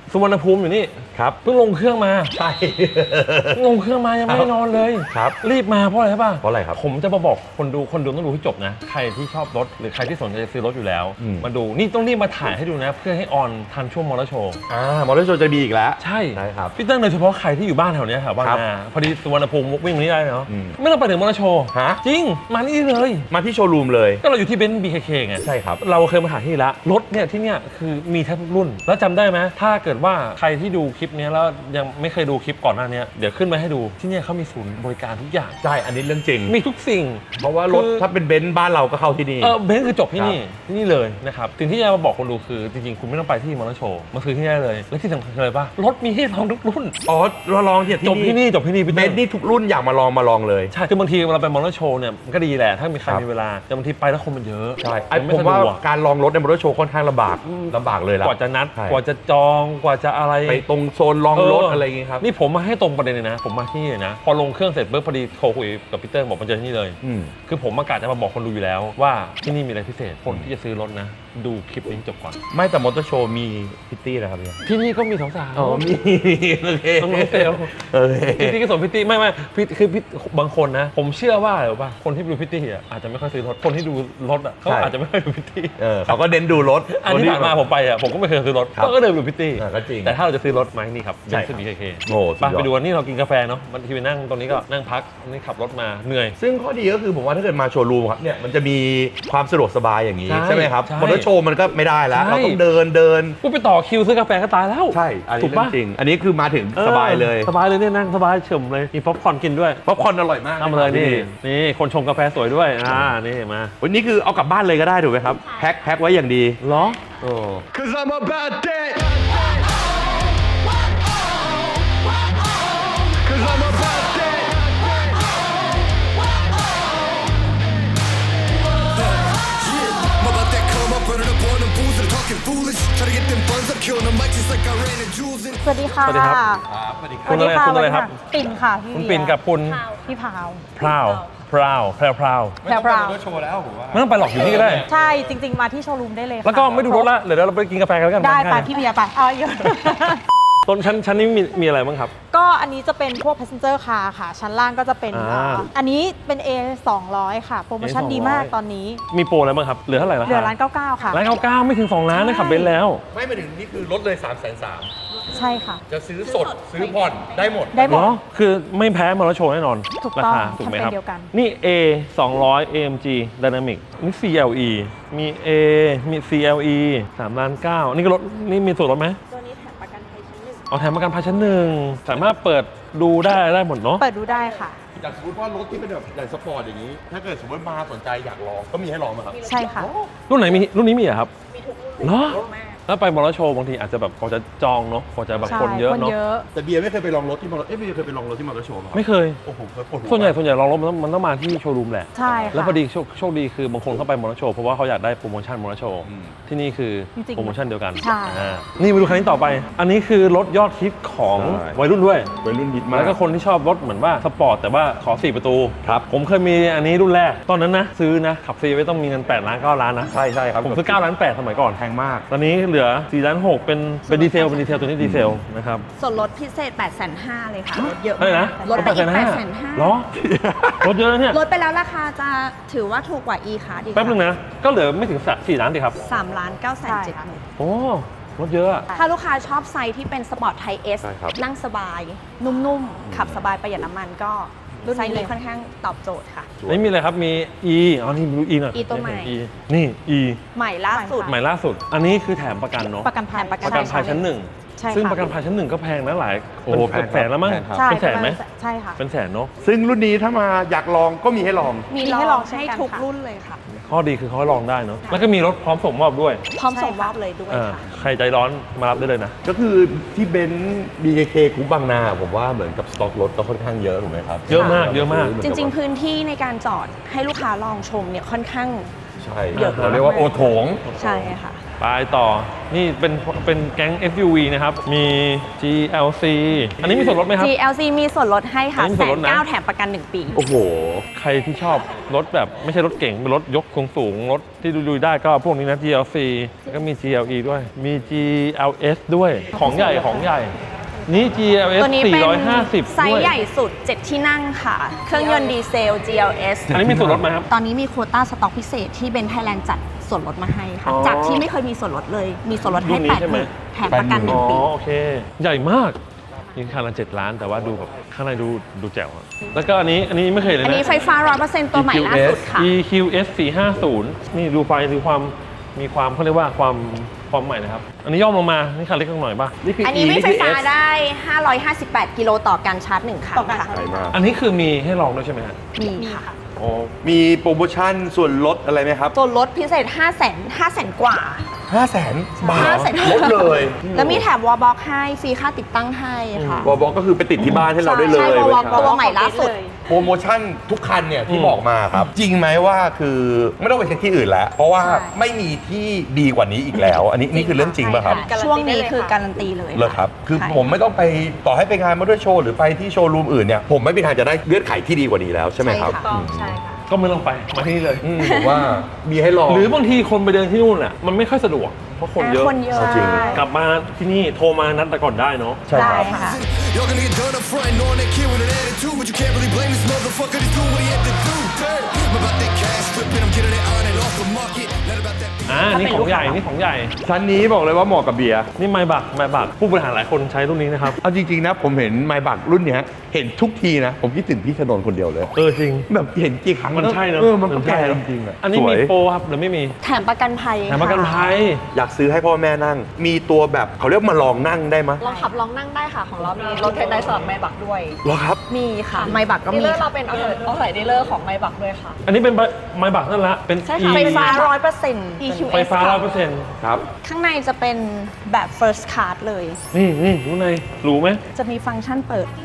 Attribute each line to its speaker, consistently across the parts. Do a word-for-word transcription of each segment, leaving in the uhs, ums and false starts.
Speaker 1: สุวรรณภูมิอยู่นี่ครับเพิ่งลงเครื่องมา
Speaker 2: ใช่
Speaker 1: ลงเครื่องมายังไม่ได้นอนเลย
Speaker 2: ครับ
Speaker 1: รีบมาเพราะอะไรใช่ป่ะ
Speaker 2: เพราะอะไรครับ
Speaker 1: ผมจะมาบอกคนดูคนดูต้องดูให้จบนะใครที่ชอบรถหรือใครที่สนใจจะซื้อรถอยู่แล้วมาดูนี่ต้องรีบมาถ่ายให้ดูนะเพื่อให้ออนทันช่วงมอเตอร์โชว์
Speaker 2: อ่ามอเตอร์โชว์จะดีอีกแล้ว
Speaker 1: ใช่
Speaker 2: ใช่ครับ
Speaker 1: พี่เติ้ลโดยเฉพาะใครที่อยู่บ้านแถวนี้แถวบ้านนาพอดีสุวรรณภูมิวิ่งนี้ได้เนาะไม่ต้องไปถึงมอเตอร์โชว์
Speaker 2: ฮะ
Speaker 1: จริงมานี่เลย
Speaker 2: มาที่โชว์รูมเลย
Speaker 1: ก็เราอยู่ที่เบนซ์ บี เค เค ไง
Speaker 2: ใช่ครับ
Speaker 1: เราเคยมาถ่ายที่ละรถเนี่ยที่เนี่ยคือมีแทบทุกรุ่นแล้วจำได้ไหมถ้าเกิดว่าใครที่ดูคลิปนี้แล้วยังไม่เคยดูคลิปก่อนหน้านี้เดี๋ยวขึ้นมาให้ดูที่เนี่ยเขามีศูนย์บริการทุกอย่าง
Speaker 2: ใช่อันนี้เรื่องจริง
Speaker 1: มีทุกสิ่ง
Speaker 2: เพราะว่ารถถ้าเป็นเบนซ์บ้านเราก็เข้าที่นี่
Speaker 1: เออเบนซ์คือจบที่นี่ที่นี่เลยนะครับสิ่งที่จะมาบอกคนดูคือจริงๆคุณไม่ต้องไปที่มอเตอร์โชว์มาซื้อที่นี่ได้เลยและที่สำคัญเลยป่ะรถมีให้ลองทุกรุ่น
Speaker 2: อ๋อเราลองที่
Speaker 1: จบที่นี่จบที่นี่
Speaker 2: เบนซ์นี่ทุกรุ่นอยากมาลองมาลองเลย
Speaker 1: ใช่คือบางทีเราไปมอเตอร์โชว์เนี่ยมันก็ดีแหละถ้ามีใครมีเวลาแต่บางทีไปแล้วคนมันเยอะ
Speaker 2: ใช่ผมว่าการลองรถในมอเตอร์โชว์ค่อนข้างลำบากลำบากเลยล่ะ
Speaker 1: กว่าจะนัดกว่าจะจองกว่าจะอะไร
Speaker 2: ไปตรงโซนลองรถอะไรอย่างงี้ครับ
Speaker 1: นี่ผมมาให้ตรงประเด็นเลยนะผมมาที่นี่เลยนะพอลงเครื่องเสร็จปุ๊บพอดีโทรคุยกับพีเตอร์บอกมาเจอที่นี่เลยคือผมมากะจะมาบอกคนดูอยู่แล้วว่าที่นี่มีอะไรพิเศษคนที่จะซื้อรถนะดูคลิปนี้จบก่อน
Speaker 2: ไม่แต่มอเตอร์โชว์มีพิตตี้นะครับ
Speaker 1: ที่นี่ก็มีสาวๆ
Speaker 2: อ๋อมีโอเค
Speaker 1: น้องเซลพิตตี้ก็สมพิตตี้ไม่ไม่คือบางคนนะผมเชื่อว่าหรือว่าคนที่ดูพิตตี้อ่ะอาจจะไม่ค่อยซื้อรถคนที่ดูรถอ่ะเขาอาจจะไม่ค่อยดูพิตตี้
Speaker 2: เออเขาก็เน้นดูรถ
Speaker 1: อันที่ผ่านมาผมไปอ่ะผมก็ไม่เคยซื้อรถก็เดินดูพิตตี้
Speaker 2: ก็จริง
Speaker 1: แต่ถ้าเราจะซื้อรถไหมนี่ครับเบนซ์ บี เค เค
Speaker 2: โอ้
Speaker 1: ไปดูวันนี้เรากินกาแฟเนาะบางทีไปนั่งตรงนี้ก็นั่งพักนี่ขับรถมาเหนื่อย
Speaker 2: ซึ่งข้อดีก็คือผมว่าถ้าเกิดมาโชว์รูมครับเนี่ยมันจะมีความสะดวกสบายอย่างนี้ใช่ไหมครับมอเตอร์โชว์มันก็ไม่ได้แล้วเราต้องเดินเดิน
Speaker 1: กูไปต่อคิวซื้อกาแฟก็ตายแล้ว
Speaker 2: ใช่ถูกป่ะจริงอันนี้คือมาถึงสบายเลย
Speaker 1: สบายเลยเนี่ยนั่งสบายเฉยเลยมีป๊อปคอร์นกินด้วย
Speaker 2: ป๊อปคอร์นอร่อยมาก
Speaker 1: ทำเลยนี่นี่คนชงกาแฟสวยด้วยอ่านี่มา
Speaker 2: วันนี้คือเอากลับบ้านเลยก็ได้ถูกไหมครับแพ็คแพ็คไว้อย่างดี
Speaker 1: เหรอ
Speaker 2: โอ้
Speaker 3: Cause I'm about that Cause I'm about that Yeah, I'm about that come up running up on them fools that are talking foolish Try to get them buns up killing them mics just like I ran in jewels in
Speaker 4: สวัสดีค่ะ
Speaker 1: สวัสดีครับ
Speaker 2: สวัสดีครับ
Speaker 1: คุณอะไรคุณอะไรครับ
Speaker 4: ปิ่นค่ะพี่
Speaker 1: คุณปิ่นกับคุณ
Speaker 4: พี่พาว
Speaker 1: พราวพราวแพรวพราว
Speaker 4: แพรวพราว
Speaker 2: โชว์แล้วผมว่า
Speaker 1: ไม่ต้องไปหรอกอยู่นี่ก็ได้
Speaker 4: ใช่จริงๆมาที่โชว์รูมได้เลย
Speaker 1: แล้วก็ไม่ดูรถละเดี๋ยวเราไปกินกาแฟกันแล้วกัน
Speaker 4: ได้ไปพี่เบียร์ไปเอาอยู่
Speaker 1: ต้นชั้นชั้นนี้มีมีอะไรบ้างครับ
Speaker 4: ก็อันนี้จะเป็นพวก passenger car ค่ะชั้นล่างก็จะเป็นอันนี้เป็น เอ สองร้อย ค่ะโปรโมชั่นดีมากตอนนี้
Speaker 1: มีโปรอะไรบ้างครับเหลือเท่าไหร่ราคา
Speaker 4: เหลือล้านเก้าเก้าค่ะ
Speaker 1: ล้านเก้าเก้าไม่ถึงสองล้านนะขับเบนซ์แล้ว
Speaker 2: ไม่มาถึงนี่คือลดเลย สามแสนสาม
Speaker 4: ใช่ค่ะ
Speaker 2: จะซื้อสดซื้อผ่อนได้หมด
Speaker 4: ได้หมด
Speaker 1: คือไม่แพ้มอเตอร์โชว์แน่นอน
Speaker 4: ราคา
Speaker 1: ถูกไหมครับนี่ A สองร้อย เอ เอ็ม จี Dynamic นี่ ซี แอล อี มี A มี ซี แอล อี สามล้านเก้านี่ก็รถนี่มีส่วนลดไหม
Speaker 4: ตัวนี้แถมประกันภัยชั้นหนึ่ง
Speaker 1: เอาแถมประกันภัยชั้นหนึ่งสามารถเปิดดูได้ได้หมดเนาะ
Speaker 4: เปิดดูได้ค่ะ
Speaker 2: จากสมมติว่ารถที่เป็นแบบอย่างสปอร์ตอย่างนี้ถ้าเกิดสมมติมาสนใจอยากลองก็มีให้ลองไหมครับ
Speaker 4: ใช่ค่ะ
Speaker 1: รุ่นไหนมีรุ่นนี้มีอะครับ
Speaker 4: มีทุกรุ่น
Speaker 1: เหรอแล้วไปมอเตอร์โชว์บางทีอาจจะแบบกว่าจะจองเนาะกว่าจะแบบคนเยอะเนาะ
Speaker 2: แต่เบียร์ไม่เคยไปลองรถที่มอเตอร์เอ๊ะเบียร์เคยไปลองรถที่มอเตอร์โชว์
Speaker 1: ไม่เคย
Speaker 2: โอ้โหเคยปวดหัว
Speaker 1: ส่วนใหญ่ส่วนใหญ่ลองรถมันต้องมันต้องมาที่โชว์รูมแหละ
Speaker 4: ใช่
Speaker 1: แล้วพอดีโชคโชคดีคือบางคนเข้าไปมอเตอร์โชว์เพราะว่าเขาอยากได้โปรโมชั่นมอเตอร์โชว์ที่นี่คือโปรโมชั่นเดียวกัน
Speaker 4: ใช่
Speaker 1: นี่มาดูคันนี้ต่อไปอันนี้คือรถยอดฮิตของวัยรุ่นด้วย
Speaker 2: วัยรุ่นฮิตมาก
Speaker 1: แล้วก็คนที่ชอบรถเหมือนว่าสปอร์ตแต่ว่าขอสี่ประตูครับผมเคยมีอันนี้รุ่นแรกตอนนั้นนะซื้อนะขับฟรีไว้ต้องมีเงินแปดล้านเก้าล้านนะ
Speaker 2: ใช่ใช่ครับ
Speaker 1: ผมซื้อเก้าล้านแปดสมัยก่อน
Speaker 2: แพงมาก
Speaker 1: ตอนนี้เหลือสี่ล้านหกเป็นเป็นดีเซลเป็นดีเซลตัวนี้ดีเซลนะครับ
Speaker 5: ส่วนลดพิเศษ แปดแสนห้าหมื่น เลยค่ะลดเยอะ
Speaker 1: มากนะ
Speaker 5: ลดไปอีก แปดแสนห้าหมื่น
Speaker 1: เหรอลดเยอะเนี่ย
Speaker 5: ลดไปแล้วราคาจะถือว่าถูกกว่า e ค่ะดี
Speaker 1: แป๊บนึงนะก็เหลือไม่ถึงสี่ล้านดิครับ
Speaker 5: สามล้านเก้าแสนเจ็ดหมื่น
Speaker 1: โอ้ลดเยอะ
Speaker 5: ถ้าลูกค้าชอบไซส์ที่เป็นสปอร์ตไทย S นั่งสบายนุ่มๆขับสบายประหยัดน้ำมันก็ไซส์นี้ค่อนข้างตอบโจทย์ค่ะ
Speaker 1: ไม่มีอะไรครับมี E อ๋อนี่ดู E หน่อย
Speaker 5: E ตัวใหม่
Speaker 1: นี่ E
Speaker 5: ใหม่ล่าสุด
Speaker 1: ใหม่ล่าสุดอันนี้คือแถมประกันเนาะ
Speaker 4: ประกันภัย
Speaker 1: ประกันภัยชั้นหนึ่งซึ่งประกันภัยชั้นหนึ่งก็แพงนะหลายโอ้เป็นแสนแล้วมั้งเป็นแสนไหม
Speaker 4: ใช่ค่ะ
Speaker 1: เป็นแสนเนาะ
Speaker 2: ซึ่งรุ่นนี้ถ้ามาอยากลองก็มีให้ลอง
Speaker 5: มีให้ลองให้ทุกรุ่นเลยค่ะ
Speaker 1: ข้อดีคือเขาลองได้เนาะแล้วก็มีรถพร้อมส่งมอบด้วย
Speaker 5: พร้อมส่งมอบเลยด้วยค่ะ
Speaker 1: ใครใจร้อนมารับได้เลยนะ
Speaker 2: ก็คือที่เบนซ์ บี เค เค คุ้บางนาผมว่าเหมือนกับสต็อกรถก็ค่อนข้างเยอะถูกไหมครับ
Speaker 1: เยอะมากเยอะมาก
Speaker 5: จริงๆพื้นที่ในการจอดให้ลูกค้าลองชมเนี่ยค่อนข้าง
Speaker 2: ใช่เราเรียกว่าโอโถง
Speaker 5: ใช่ค่ะ
Speaker 1: ไปต่อ นี่เป็นเป็นแก๊ง เอส ยู วี นะครับ มี จี แอล ซี อันนี้มีส่วนลดไหมครับ
Speaker 5: จี แอล ซี มีส่วนลดให้ค่ะ
Speaker 1: อันนี้มี
Speaker 5: แส
Speaker 1: ส่วนล
Speaker 5: น
Speaker 1: ดนะ
Speaker 5: เก้าแถมประกันหนึ่งปี
Speaker 2: โอ้โห
Speaker 1: ใครที่ชอบรถแบบไม่ใช่รถเก่ง เป็นรถยกสูงสูงๆรถที่ดูๆได้ก็พวกนี้นะ จี แอล ซี แล้วก็มี จี แอล อี ด้วย มี จี แอล เอส ด้วย ของใหญ่ของใหญ่ นี่ จี แอล เอส
Speaker 5: ตัวนี้เป็น
Speaker 1: สี่ร้อยห้าสิบ
Speaker 5: ไซ
Speaker 1: ด้ว
Speaker 5: ส์
Speaker 1: ย
Speaker 5: ใหญ่สุด เจ็ด ที่นั่งค่ะ เครื่องยนต์ดีเซล จี แอล เอส
Speaker 1: อันนี้มีส่วนลดไหมครับ
Speaker 5: ตอนนี้มีโควต้าสต็อกพิเศษที่เบนไทยแลนด์จัดส่วนลดมาให้ค่ะ
Speaker 1: อ๋อ
Speaker 5: จากที่ไม่เคยมีส่วนลดเลย มีส่วนลดให้
Speaker 1: รุ่นนี้
Speaker 5: แปด
Speaker 1: ใช่
Speaker 5: ห
Speaker 1: ไหม
Speaker 5: มื่นแถมประกันหนึ่
Speaker 1: อ๋
Speaker 5: ง
Speaker 1: อ
Speaker 5: ปี
Speaker 1: โอเค ใหญ่มากยิงคันละเจ็ดล้านแต่ว่าดูแบบข้างในดูดูแจ๋วอะแล้วก็อันนี้อันนี้ไม่เคยเลย
Speaker 5: อัน
Speaker 1: นะ
Speaker 5: นี้ไฟฟ้า ร้อยเปอร์เซ็นต์ ตัวใหม่ล่าสุดค่ะ
Speaker 1: อี คิว เอส สี่ห้าศูนย์ นี่ดูไฟดูความมีความเขาเรียกว่าความความใหม่นะครับ อันนี้ย่อมลงมานี่คันเล็กลงหน่อยป่ะ
Speaker 2: นี่คือ
Speaker 5: อัน
Speaker 2: E
Speaker 5: นี้วิ่งไฟฟ้า
Speaker 2: นี่คือ S
Speaker 5: ได้ ห้าร้อยห้าสิบแปด กิโลต่อการชาร์จหนึ่งครั้ง
Speaker 4: ต่อการ
Speaker 5: ค่ะ
Speaker 4: ชาร์จ
Speaker 2: ใหญ่มาก
Speaker 1: อันนี้คือมีให้ลองด้วยใช่ไหมฮะ
Speaker 5: มีค่ะ
Speaker 1: อ๋อ
Speaker 2: มีโปรโมชั่นส่วนลดอะไรไหมครับ
Speaker 5: ส่วนลดพิเศษ ห้าแสน ห้าแสน กว่า
Speaker 2: ห้าแสนบาท
Speaker 5: ห้าแสน
Speaker 2: ลดเลย
Speaker 5: แล้วมีแถมวอลบ็อกให้ ฟรีค่าติดตั้งให้ค่ะ
Speaker 2: วอลบอกก็คือไปติดที่บ้านให้เราได้เลย
Speaker 5: ใช่
Speaker 2: เว้ย
Speaker 5: Wallbox
Speaker 2: ครับ
Speaker 5: ตัวใหม่ล่าสุด
Speaker 2: โปรโมชั่นทุกคันเนี่ยที่
Speaker 1: อืม
Speaker 2: บอกมาครับ จริงไหมว่าคือไม่ต้องไปเช็คที่อื่นแล้ว เพราะว่า
Speaker 5: ใช่
Speaker 2: ไม่มีที่ดีกว่านี้อีกแล้ว อันนี้นี่คือเรื่องจริงป่ะครับ
Speaker 5: ใช่ะช่วงนี้คือการันตีเลย
Speaker 2: เลยครับ คือ
Speaker 5: ใช่
Speaker 2: ผมไม่ต้องไปต่อให้ไปงานมอเตอร์โชว์หรือไปที่โชว์รูมอื่นเนี่ยผมไม่มีทางจะได้เลือดไขที่ดีกว่านี้แล้วใช่ไหมครับ
Speaker 5: ใช่ค่ะใช่ค่ะ
Speaker 1: ก็ไม่ต้องไปมาที่นี่เลย
Speaker 2: อืมผมว่ามีให้ลอง
Speaker 1: หรือบางทีคนไปเดินที่นู่นอ่ะมันไม่ค่อยสะดวกเพราะคนเยอะ
Speaker 5: คนเยอะ
Speaker 2: จริง
Speaker 1: กลับมาที่นี่โทรมานัดแต่ก่อนได้เนาะ
Speaker 2: ใช่ครับ
Speaker 5: ได้ค่ะ
Speaker 3: Y'all gonna get done up front, knowing that kid with an attitude, but you can't really blame this motherfucker. He's doing what he had to do. Damn. I'm about that cash flipping, I'm getting it on and off the market. Not about that.
Speaker 1: อ่านี่ของใหญ่นี่ของใหญ่
Speaker 2: ชั้นนี้บอกเลยว่าเหมาะกับเบียร์
Speaker 1: นี่ไมบักไมบักผู้บริหารหลายคนใช้รุ่นนี้นะครับ
Speaker 2: เอาจริงๆนะผมเห็นไมบักรุ่นเนี้ยเห็นทุกทีนะ ผมคิดถึงพี่ชนนท์คนเดียวเลย
Speaker 1: เออจริง
Speaker 2: แบบเห็นกี่ครั้ง
Speaker 1: มันใช่เนอะ
Speaker 2: เออมันก็
Speaker 1: มันใช่
Speaker 2: แก่
Speaker 1: เนอะ
Speaker 2: จริงๆอ่ะ
Speaker 1: อันนี้
Speaker 2: สว
Speaker 1: มี
Speaker 2: ย
Speaker 1: โปรครับหรือไม่มี
Speaker 5: แถมประกันภัย
Speaker 1: แถมประกันภัย
Speaker 2: อยากซื้อให้พ่อแม่นั่ง มีตัวแบบเขาเรียกมาลองนั่งได้ไหมย
Speaker 6: ลองขับลองนั่งได้ค่ะ ของเรามีรถเทนไนสำหรับไมบักด้วย
Speaker 2: เหรอครับ
Speaker 5: มีค่ะ ไมบักก็
Speaker 6: ดี
Speaker 5: มี
Speaker 6: ลเลอร์เรา
Speaker 5: ค่ะ
Speaker 6: เป็นเอาเอาใส่ดีลเลอร์ของไมบักด้วยค่ะ
Speaker 1: อันนี้เป็นไมบักนั่นละเป็น
Speaker 6: ใช่
Speaker 1: E
Speaker 6: ค่ะ
Speaker 5: ไฟฟ้า ร้อยเปอร์เซ็นต์
Speaker 6: อี คิว
Speaker 1: ไฟฟ้าร้อยเปอร์เซ็นต์
Speaker 2: ครับ
Speaker 5: ข้างในจะเป็นแบบ first card เลย
Speaker 1: นี่นี่รู้ในรู้ไหม
Speaker 5: จะมีฟังก์ชันเปิด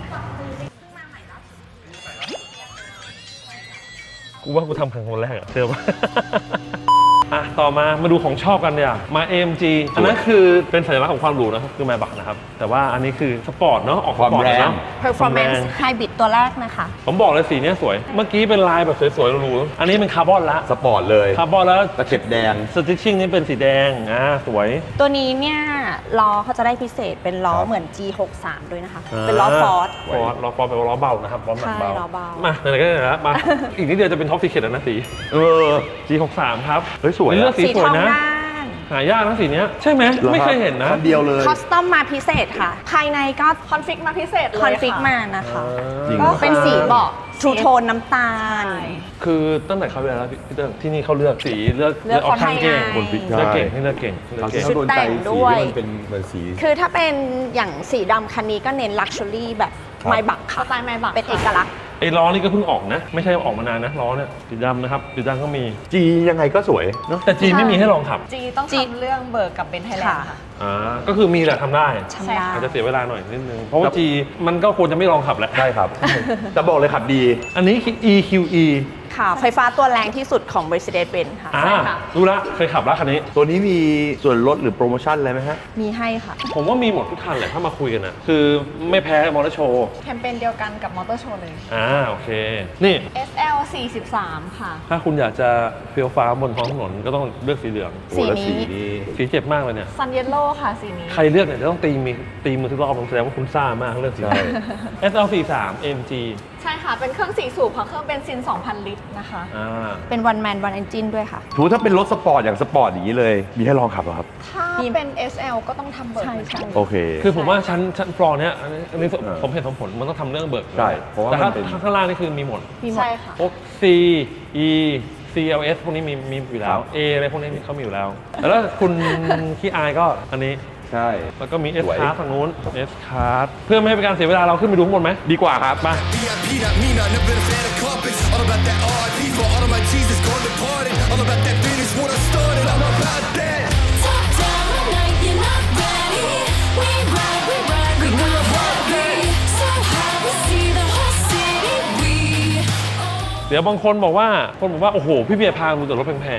Speaker 1: กูว่ากูทำครั้งคนแรกอะเชื่อป่ะ อ่ะต่อมามาดูของชอบกันเนี่ยมา เอ เอ็ม จี อันนั้นคือเป็นสัญลักษณ์ของความหรูนะครับคือไมบักนะครับแต่ว่าอันนี้คือสปอร์ตเนาะออกสปอร์ต
Speaker 2: ความแรง
Speaker 1: เนาะ
Speaker 5: performance hybrid ตัวแรกนะคะ
Speaker 1: ผมบอกเลยสีเนี้ยสวย เมื่อกี้เป็นลายแบบสวยๆหรูๆอันนี้เป็นคาร์บอนละ
Speaker 2: สปอร์ตเลย
Speaker 1: คาร์บอนแล้ว
Speaker 2: ตะเข็บแดง
Speaker 1: สติชชิ่งนี่เป็นสีแดงอ่าสวย
Speaker 5: ตัวนี้เนี่ยล้อเขาจะได้พิเศษเป็นล้อ
Speaker 2: ครับ
Speaker 5: เหมือน จี หกสาม ด้วยนะคะ เป็นล้อฟอร์ด
Speaker 1: ฟอร์ดล้อฟอร์ดแปลว่าล้อเบานะครับล้อหนัก
Speaker 5: ใช่
Speaker 1: เบา
Speaker 5: ล้อเบา
Speaker 1: มาไหนๆก็ไหนๆแล้วมา อีกนิดเดียวจะเป็นท็อปซีเคทแล้วนะสี
Speaker 2: เออ
Speaker 1: จี หกสาม ครับ
Speaker 2: เฮ้ยสวยอะ
Speaker 1: เลือกสี
Speaker 5: สี
Speaker 1: ส
Speaker 5: ท
Speaker 1: วย
Speaker 5: อง
Speaker 1: นะ
Speaker 5: ด้าน
Speaker 1: หายากนะสีเนี้ยใช่ไหมไม่เคยเห็นนะ
Speaker 2: คันเดียวเลย
Speaker 5: คอสตอมมาพิเศษค่ะ ภายในก็
Speaker 6: คอนฟิกมาพิเศษเลย
Speaker 5: คอนฟิก
Speaker 6: ค่ะ
Speaker 5: มานะคะ
Speaker 2: จริง
Speaker 5: ก็
Speaker 2: เหรอ
Speaker 5: เป็นสีเบาะทูโทนน้ำตาล
Speaker 6: ใช่
Speaker 1: คือตั้งแต่เขาเวลาแล้วพี่เติ้งที่นี่เขาเลือกสีเลือก
Speaker 5: เลือก
Speaker 1: ออปชั่นเก่ง
Speaker 5: คนไทย
Speaker 2: คนพิก
Speaker 1: เลือกเก่งให้เลือกเก่งเลือกเก่ง
Speaker 5: ชุดแต่งด้วย
Speaker 2: ที่มันเป็นเหมือนสี
Speaker 5: คือถ้าเป็นอย่างสีดำคันนี้ก็เน้นลักชัวรี่แบบ
Speaker 2: ครับ
Speaker 5: ไมบัก
Speaker 6: ส
Speaker 5: ค่ะ
Speaker 6: ไตล์ไมบัก
Speaker 5: เป็นเอกลักษณ์
Speaker 1: ไอ้ล้อนี่ก็เพิ่งออกนะ ไม่ใช่ออกมานานนะล้อเนี่ยสีดำนะครับสีดำก็มี
Speaker 2: จียังไงก็สวยเนาะ
Speaker 1: แต่จีนไม่มีให้ลองขับ
Speaker 6: จีต้อง
Speaker 5: จี
Speaker 6: ทำเรื่องเบิกกับเบนไทยแลนด์ค่ะ
Speaker 1: อ่าก็คือมีแหละทำได้
Speaker 5: ทำได้
Speaker 1: อาจจะเสียเวลาหน่อยนิดนึงเพราะว่าจีมันก็ควรจะไม่ลองขับแหละ
Speaker 2: ใช่ครับ แต่บอกเลยขับดี
Speaker 1: อันนี้คือ อี คิว อี
Speaker 5: ค่ะ ไฟฟ้าตัวแรงที่สุดของ Mercedes-Benz ค่ะ
Speaker 1: อ่า
Speaker 6: ใช่ค่ะ
Speaker 1: รู้ละเคยขับแล้วคันนี้
Speaker 2: ตัวนี้มีส่วนลดหรือโปรโมชั่นอะไรไหมฮะ
Speaker 5: มีให้ค่ะ
Speaker 1: ผมว่ามีหมดทุกคันแหละถ้ามาคุยกันนะคือไม่แพ้มอเตอร์โชว์
Speaker 6: แคมเปญเดียวกันกับมอเตอร์โชว์เลย
Speaker 1: อ่าโอเค นี่
Speaker 6: เอส แอล สี่สิบสาม ค่ะ
Speaker 1: ถ้าคุณอยากจะเฟี้ยวฟ้าบนท้องถนนก็ต้องเลือกสีเหลือง
Speaker 2: โอ้แล้ว
Speaker 5: สีนี้
Speaker 2: นี้
Speaker 1: สีเจ็บมากเลยเนี่ย
Speaker 6: ซันเยลโล่ค่ะสีนี้
Speaker 1: ใครเลือกเนี่ยจะต้องตีมือตีมือทุกรอบผมแสดงว่าคุณซ่ามากเลือกสี
Speaker 2: ใช่
Speaker 1: เอส แอล สี่สาม เอ็ม จี
Speaker 6: ใช่ค่ะ เป็นเครื่องสี่สูบค่ะ เครื่องเบนซิน สองพัน ลิตรนะคะ
Speaker 1: อ่า
Speaker 5: เป็น one man one engine ด้วยค่ะ
Speaker 2: ถูถ้าเป็นรถสปอร์ตอย่างสปอร์ตอย่างนี้เลย มีให้ลองขับเหรอครับ
Speaker 6: ถ้า
Speaker 5: มี
Speaker 6: เป็น เอส แอล ก็ต้องทำเบิก
Speaker 5: ใช่ใช่
Speaker 2: โอเค
Speaker 1: คือผมว่าชั้นชั้นฟลอร์เนี้ยอันนี้อันนี้
Speaker 2: เออ
Speaker 1: ผมเห็นผมผลมันต้องทำเรื่องเบิก
Speaker 2: ใช่เพราะว่า
Speaker 1: แต่ถ้า
Speaker 2: มันเป็น
Speaker 1: ข้างล่างนี่คือมีหมด
Speaker 5: มีหมด
Speaker 6: ใช่ค่ะ
Speaker 1: พวก C E C L S พวกนี้มีมีอยู่แล้ว A อะไรพวกนี้เขามีอยู่แล้ว แล้วคุณขี้อายก็อันนี้
Speaker 2: ใช่
Speaker 1: แล้วก็มี S
Speaker 2: สวย
Speaker 1: card ทางนู้น S card เพื่อไม่ให้เป็นการเสียเวลาเราขึ้นไปดูข้างบนไหมดีกว่าครับมา
Speaker 3: V I P, not me, not never been a fan of carpets. All about that R I P for all of my Jesus gone departed. All about that finish what I started. I'm about that.
Speaker 7: Top down the night, you're not ready. We ride, we ride, we go heavy. So high, we see the whole city. We
Speaker 1: เดี๋ยวบางคนบอกว่าคนบอกว่า โอ้โห พี่เบียร์พาดูแต่รถแพง
Speaker 2: จ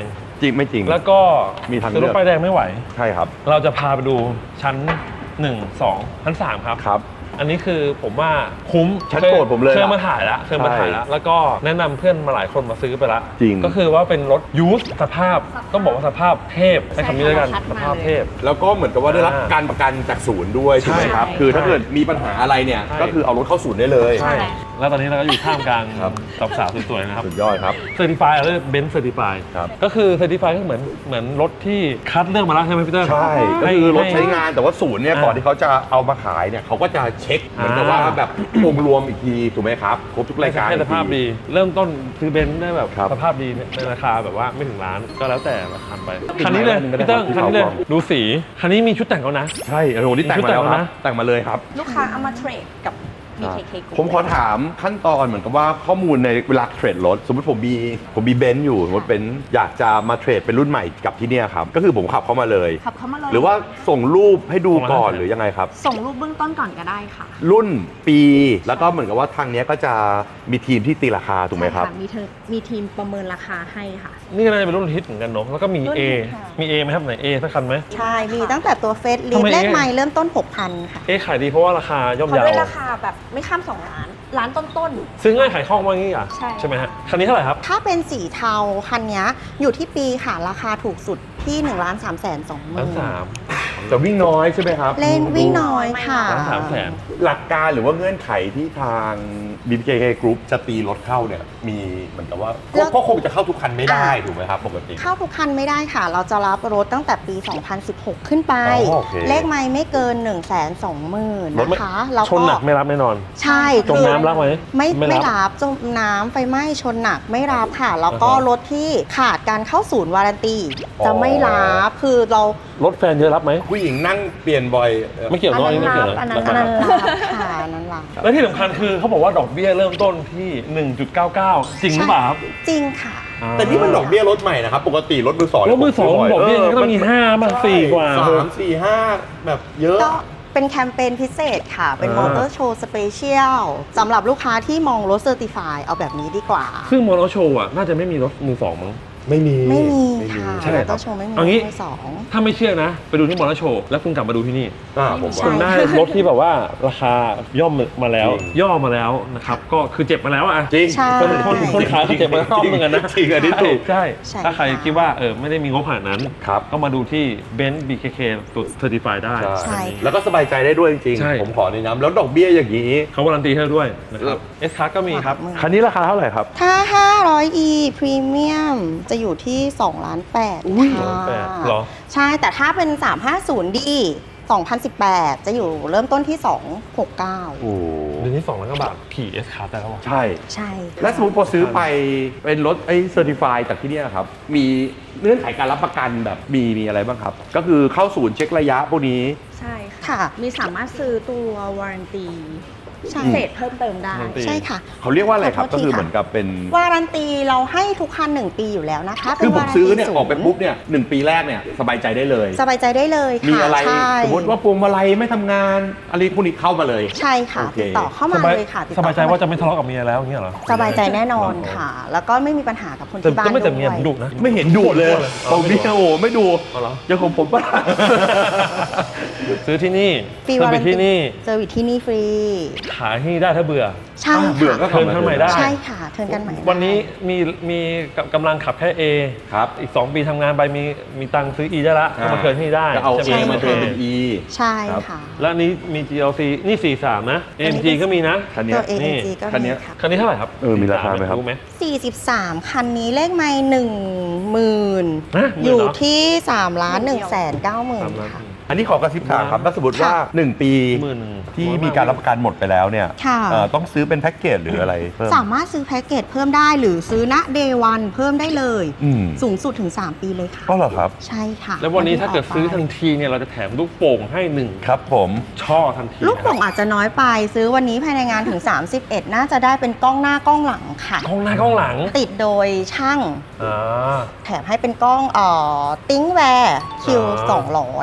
Speaker 2: จริงไม่จริง
Speaker 1: แล้วก็
Speaker 2: มีทางเลื
Speaker 1: ซื้
Speaker 2: อก
Speaker 1: อรถป้ายแดงไม่ไหว
Speaker 2: ใช่ครับ
Speaker 1: เราจะพาไปดูชั้นหนึ่ง สอง ชั้นสามครับ
Speaker 2: ครับ
Speaker 1: อันนี้คือผมว่าคุ้ม
Speaker 2: ชั้นโปรดผมเลย
Speaker 1: เคย
Speaker 2: ล่ะ
Speaker 1: มาถ่ายแล้วเคยมาถ่ายแล้ว แล้วก็แนะนำเพื่อนมาหลายคนมาซื้อไปละ
Speaker 2: จริง
Speaker 1: ก็คือว่าเป็นรถยูสสภาพ ต้องบอกว่าสภาพเทพใช้คำนี้แล้วกัน
Speaker 6: ใช้คำว่าคัด
Speaker 1: ส
Speaker 6: มา
Speaker 1: ภาพเทพ
Speaker 2: แล้วก็เหมือนกับว่าได้รับ
Speaker 1: อ่า
Speaker 2: การประกันจากศูนย์ด้วยใช่ไหมครับ
Speaker 1: ใช่
Speaker 2: คือถ้าเกิดมีปัญหาอะไรเนี่ย
Speaker 1: ใช่
Speaker 2: ก็คือเอารถเข้าศูนย์ได้เลย
Speaker 1: ใช่ แล้วตอนนี้เราก็อยู่ท่ามกลาง
Speaker 2: ครับ
Speaker 1: กับสาวสวยๆนะครับ
Speaker 2: สุดยอดครับ
Speaker 1: เซอร์ติฟายหรือเบนซ์เซอร์ติฟาย
Speaker 2: ครับ
Speaker 1: ก็คือเซอร์ติฟายก็เหมือนเหมือนรถที่คัดเลือกมาแล้วใช่ไหมพี่เตอร์
Speaker 2: ใช่ก็
Speaker 1: ให้
Speaker 2: คือรถ
Speaker 1: ให้
Speaker 2: ใช้งานแต่ว่าศูนย์เนี่ย
Speaker 1: อ่า
Speaker 2: ก่อนที่เขาจะเอามาขายเนี่ยเขาก็จะเช็คเหมือนกับว่า
Speaker 1: อ่า
Speaker 2: แบบ องค์รวมอีกทีถูกไหมครับครบทุกรายการ
Speaker 1: ให้สภาพดี เริ่มต้นซื้อเบนซ์ได้แบบ
Speaker 2: ครับ
Speaker 1: สภาพดีในราคาแบบว่าไม่ถึงล้านก็แล้วแต่ราคาไปคันนี้เลยพี่เติ้งคันนี้เลยดูสีคันนี้มีชุดแต่งแล้วนะ
Speaker 2: ใช่โอ้โหนี่แต่งมาแล้ว
Speaker 1: ชุดแต่งแล้ว
Speaker 2: ครับ
Speaker 1: นะ
Speaker 2: แต่งมาเลยครับ
Speaker 5: ลูกค้าเอามาเทรดกับ บี เค เค Group
Speaker 2: ผมขอถามขั้นตอนเหมือนกับว่าข้อมูลในเวลาเทรดรถ สมมติผมมีผมมีเบนซ์อยู่สมมติเป็นอยากจะมาเทรดเป็นรุ่นใหม่กับที่เนี่ยครับก็คือผมขับเข้ามาเลย
Speaker 5: ขับเข้ามาเลย
Speaker 2: หรือว่าส่งรูปให้ดูก่อนหรือยังไงครับ
Speaker 5: ส่งรูปเบื้องต้นก่อนก็ได้ค่ะ
Speaker 2: รุ่นปีแล้วก็เหมือนกับว่าทางเนี้ยก็จะมีทีมที่ตีราคาถูกไหมครับ
Speaker 5: ใช่ะมีเธอมีทีมประเมินราคาให้ค่ะ
Speaker 1: นี่ก็น่าจะเป็นรุ่นฮิตเหมือนกันเนาะแล้วก็มี
Speaker 5: รุ่น
Speaker 1: A
Speaker 5: ฮิตค่ะ
Speaker 1: มี A ไหมครับไหน A สักคันไหม
Speaker 8: ใช่ มีตั้งแต่ตัวเฟสลิ
Speaker 1: ทำ
Speaker 8: ฟ
Speaker 1: ไม
Speaker 8: เลข
Speaker 1: เอ๊ะ
Speaker 8: ใหม่เริ่มต้น หกพัน ค่ะ
Speaker 1: A ขายดีเพราะว่าราคาย่อม
Speaker 5: เขา
Speaker 1: เยา
Speaker 5: ด้วย
Speaker 1: ว
Speaker 5: ราคาแบบไม่ข้ามสองล้าน ล้านต้น
Speaker 1: ซื้อง่ายขายคล่องว่างี้อ่ะ
Speaker 5: ใช่
Speaker 1: ใช่ไหมฮะคันนี้เท่าไหร่ครับ
Speaker 8: ถ้าเป็นสีเทาคันเนี้ยอยู่ที่ปีค่ะ ราคาถูกสุดที่ หนึ่งล้านสามแสนสองหมื่
Speaker 1: ล้าน
Speaker 8: น
Speaker 1: สาม
Speaker 2: แต่วิ่งน้อยใช่ไหมครับ
Speaker 8: เล่นวิ่งน้อยค่ะ
Speaker 1: ล้านสามแสน
Speaker 2: หลักการหรือว่าเงื่อนไขที่ทาง บี เค เค Group จะตีรถเข้าเนี่ยมีเหมือนกับว่า
Speaker 8: แล้ว
Speaker 2: ก็คงจะเข้าทุกคันไม่ได้
Speaker 8: อ่า
Speaker 2: ถูกไหมครับปกติ
Speaker 8: เข้าทุกคันไม่ได้ค่ะ เราจะรับรถตั้งแต่ปี สองพันสิบหก ขึ้นไป
Speaker 2: อ๋อโอเค
Speaker 8: เลขไม่ไม่เกิน หนึ่งแสนสองหมื่น
Speaker 1: รถไม่
Speaker 8: นะคะแล้ว
Speaker 1: ชน
Speaker 8: ก็
Speaker 1: หนักไม่รับแน่นอน
Speaker 8: ใช่
Speaker 1: จม
Speaker 8: คือ
Speaker 1: น้ำรับไหม
Speaker 8: ไม่ไม่
Speaker 1: ไม่รับ
Speaker 8: รับจมน้ำไฟไหม้ชนหนักไม่รับค่ะ แล้วก็
Speaker 1: อ่าฮะ
Speaker 8: รถที่ขาดการเข้าศูนย์วารันตี
Speaker 2: อ๋อ
Speaker 8: จะไม่รับคือเรา
Speaker 1: รถแฟนเยอะรับไหม
Speaker 2: ผู้หญิงนั่งเปลี่ยนบ่อยเอ่อ
Speaker 1: ไม่เกี่ยว
Speaker 5: อั
Speaker 1: น้
Speaker 5: น
Speaker 1: อย
Speaker 5: นั้น
Speaker 1: ไม่เกี่ยว
Speaker 5: รับอันนั้น
Speaker 8: อันนั้นรับค่ะอันนั้นรับ
Speaker 1: และที่สำคัญคือเขาบอกว่าดอกเบี้ยเริ่มต้นที่ หนึ่งจุดเก้าเก้า จริงหรือเปล่าครับ
Speaker 8: จริงค่ะ
Speaker 2: แต่นี่มันดอกเบี้ยรถใหม่นะครับ ปกติรถมือสอง
Speaker 1: รถมือสองดอกเบี้ยก็ต้องมีห้าบ้างสี่กว่า
Speaker 2: สามสี่ห้าแบบเยอะ
Speaker 8: ก็เป็นแคมเปญพิเศษค่ะ เป็น
Speaker 1: อ่า
Speaker 8: มอเตอร์โชว์สเปเชียลสำหรับลูกค้าที่มองรถเซอร์ติฟายเอาแบบนี้ดีกว่า
Speaker 1: ซึ่งมอเตอร์โชว์อ่ะน่าจะไม่มีรถมือสองมั้ง
Speaker 2: ไม่มี
Speaker 8: ไม่มีค่ะ
Speaker 1: ใช่
Speaker 8: ม
Speaker 1: ค
Speaker 8: อ
Speaker 1: รับ
Speaker 8: เตอร์โชว์ไม่มี
Speaker 1: เอางี้
Speaker 8: มือสอง
Speaker 1: ถ้าไม่เชื่อนะ ไปดูที่มอเตอร์โชว์แล้วคุณกลับมาดูที่นี่
Speaker 2: อ่าผม
Speaker 8: ใช่
Speaker 2: ว่า
Speaker 1: คุณได้รถที่แบบว่าราคาย่อมมาแล้ว
Speaker 2: จริง
Speaker 1: ย่อมาแล้วนะครับ ก็คือเจ็บมาแล้วอ่ะ
Speaker 2: จริง
Speaker 8: ใช่
Speaker 1: คนคนคนขายเขาเจ็บมาแล้วรอบนึงกันนะ
Speaker 2: จริงอันนี้ถูก
Speaker 1: ใช่
Speaker 8: ใช่
Speaker 1: ถ้าใคร
Speaker 8: ค่ะ
Speaker 1: คิดว่าเออไม่ได้มีงบขนาดนั้น
Speaker 2: ครับ
Speaker 1: ก็มาดูที่เบนซ์ บี เค เค ตัวเซอร์ติฟายได้
Speaker 8: ใช่
Speaker 2: แล้วก็สบายใจได้ด้วยจริง
Speaker 1: ใช่
Speaker 2: ๆ ผมขอในน้ำแล้วดอกเบี้ยอย่างนี้
Speaker 1: เขาการันตีให้ด้วยนะครับเอสคาร์ก็มีครับ
Speaker 8: หลักหมื่น
Speaker 2: คันนี้ราคาเท่าไหร่ครับ
Speaker 8: ถ้า ห้าร้อย อี Premium จะอยู่ที่2ล้านแปด
Speaker 1: อุ้ย
Speaker 8: ค่ะ
Speaker 1: สองแปดเหรอ
Speaker 8: ใช่ แต่ถ้าเป็น สามห้าศูนย์ ดี สองพันสิบแปด จะอยู่เริ่มต้นที่ สองหกเก้า
Speaker 2: โอ้
Speaker 1: เดือนที่สองล้านกว่าบาทขี่เอสคาร์ได้แล้ววะ
Speaker 2: ใช่
Speaker 8: ใช่ค่ะ
Speaker 2: และสมมติพอซื้อไปเป็นรถไอ้เซอร์ติฟายจากที่เนี่ยครับ มีเงื่อนไขการรับประกันแบบมีมีอะไรบ้างครับ ก็คือเข้าศูนย์เช็คระยะพวกนี้
Speaker 5: ๆ ใช่
Speaker 8: ค่ะ
Speaker 5: มีสามารถซื้อตัววารันตี
Speaker 8: ใช่
Speaker 5: พิเศษเพิ่มเติมได้
Speaker 1: วารันตี
Speaker 8: ใช่ค่ะ
Speaker 2: เขาเรียกว่าอะไรครับ
Speaker 8: ขอโทษ
Speaker 2: ก็คือ
Speaker 8: ทีค่ะ
Speaker 2: เหมือนกับเป็น
Speaker 8: วารันตีเราให้ทุกคันหนึ่งปีอยู่แล้วนะคะ
Speaker 2: คือผมซื้อเนี่ย
Speaker 8: ป็วา
Speaker 2: อ
Speaker 8: รั
Speaker 2: อกไปปุ๊บเนี่ยหนึ่งปีแรกเนี่ยสบายใจได้เลย
Speaker 8: สบายใจได้เลยค่ะ
Speaker 2: มีอะไร
Speaker 8: ใช่
Speaker 2: สมมติว่าพวงมาลัยไม่ทำงานอะไรพวกนี้เข้ามาเลย
Speaker 8: ใช่ค่ะ
Speaker 2: โอเค
Speaker 8: ติดต่อเข้ามาเลยค่ะติด
Speaker 1: ส
Speaker 8: ต่อบ
Speaker 1: ายใจว่าจะไม่ทะเลาะกับเมียแล้วอย่างเงี้ยเหรอ
Speaker 8: สบายใจแน่นอนค่ะ แล้วก็ไม่มีปัญหากับคน
Speaker 1: แต่
Speaker 8: ที่บ้าน
Speaker 1: ก็ไม่แต่เมีย
Speaker 8: ด้
Speaker 1: ผ
Speaker 8: วย
Speaker 1: มดุนะ
Speaker 2: ไม่เห็นดูเลย
Speaker 1: อ๋อ
Speaker 2: ผมมีโอ้โหไม่ดู
Speaker 1: อ๋อเหรอ
Speaker 2: ยังของผมปะ
Speaker 1: ซื้อที่นี่
Speaker 8: ฟรี
Speaker 1: เพิ่ม
Speaker 8: วา
Speaker 1: ไป
Speaker 8: รัน
Speaker 1: ที่
Speaker 8: ตี
Speaker 1: นี่
Speaker 8: เซอร์วิสที่นี่ฟรี
Speaker 1: ขายที่นี่ได้ถ้าเบื่อ
Speaker 8: ใช่
Speaker 2: เบื่อก็
Speaker 8: ค่ะ
Speaker 1: เทิร์นข้างใหม่ได้
Speaker 8: ใช่ค่ะ เทิร์นกันใหม่
Speaker 1: วันนี้มีมีกำลังขับแค่ A
Speaker 2: ครับ
Speaker 1: อีก สอง ปีทำงานไปมีมีตังค์ซื้อ E ได้ละก็มาเทิร์นที่นี่ได้
Speaker 2: จะเอา
Speaker 1: ใช่
Speaker 2: A
Speaker 1: ไห
Speaker 2: มาเทิร์นเป็น E
Speaker 8: ใช่
Speaker 2: ครับ
Speaker 8: ค่ะ
Speaker 1: แล้วอันนี้มี จี แอล ซี นี่ สี่สาม นะ เอ็ม จี ก็มีนะ
Speaker 2: คันเนี้
Speaker 8: ตั
Speaker 2: ยว
Speaker 8: เอ
Speaker 1: นี่
Speaker 8: เอ็นจีก็
Speaker 2: คันเนี้
Speaker 8: มี
Speaker 2: ย
Speaker 8: ค่ะ
Speaker 1: คันนี้เท่าไหร่ครับ
Speaker 2: เออมีราคาไหมครับ
Speaker 1: รู้ไหม
Speaker 8: สี่สิบสาม คันนี้เลขไม่หนึ่งหมื่น
Speaker 1: ฮะหมื่นเหรอ
Speaker 8: อยู่ที่3ล้าน1แสนเก้าหมื่น
Speaker 1: สามล้าน
Speaker 8: ค่ะ
Speaker 2: อันนี้ขอกระซิบถามครับถ้าสมมติว่า
Speaker 8: ค่ะ
Speaker 2: หนึ่งปี
Speaker 1: หมื่นหนึ่ง
Speaker 2: ที่มีการรับประกันหมดไปแล้วเนี่ย
Speaker 8: ค่ะ
Speaker 2: เอ่อต้องซื้อเป็นแพ็กเกจหรืออะไรเพิ่ม
Speaker 8: สามารถซื้อแพ็กเกจเพิ่มได้หรือซื้อณเดวันเพิ่มได้เลย
Speaker 2: อืม
Speaker 8: สูงสุดถึง สาม ปีเลยค่ะ
Speaker 2: ก็เหรอครับ
Speaker 8: ใช่ค่ะ
Speaker 1: แล้ววันนี้ถ้าเกิดซื้อทัน
Speaker 8: ที
Speaker 1: ทีเนี่ยเราจะแถมลูกโป่งให้หนึ่ง
Speaker 2: ครับผม
Speaker 1: ช่อทันที
Speaker 8: ลูกโป่ง
Speaker 1: นะครับ
Speaker 8: อาจจะน้อยไปซื้อวันนี้ภายในงานถึง สามสิบเอ็ด น่าจะได้เป็นกล้องหน้ากล้องหลังค่ะ
Speaker 1: กล้องหน้ากล้องหลัง
Speaker 8: ติดโดยช่าง
Speaker 1: อ่า
Speaker 8: แถมให้เป็นกล้องเอ่อติ้งแวร์คิว
Speaker 1: อ่า
Speaker 8: สองร้อยแถม
Speaker 1: แบบ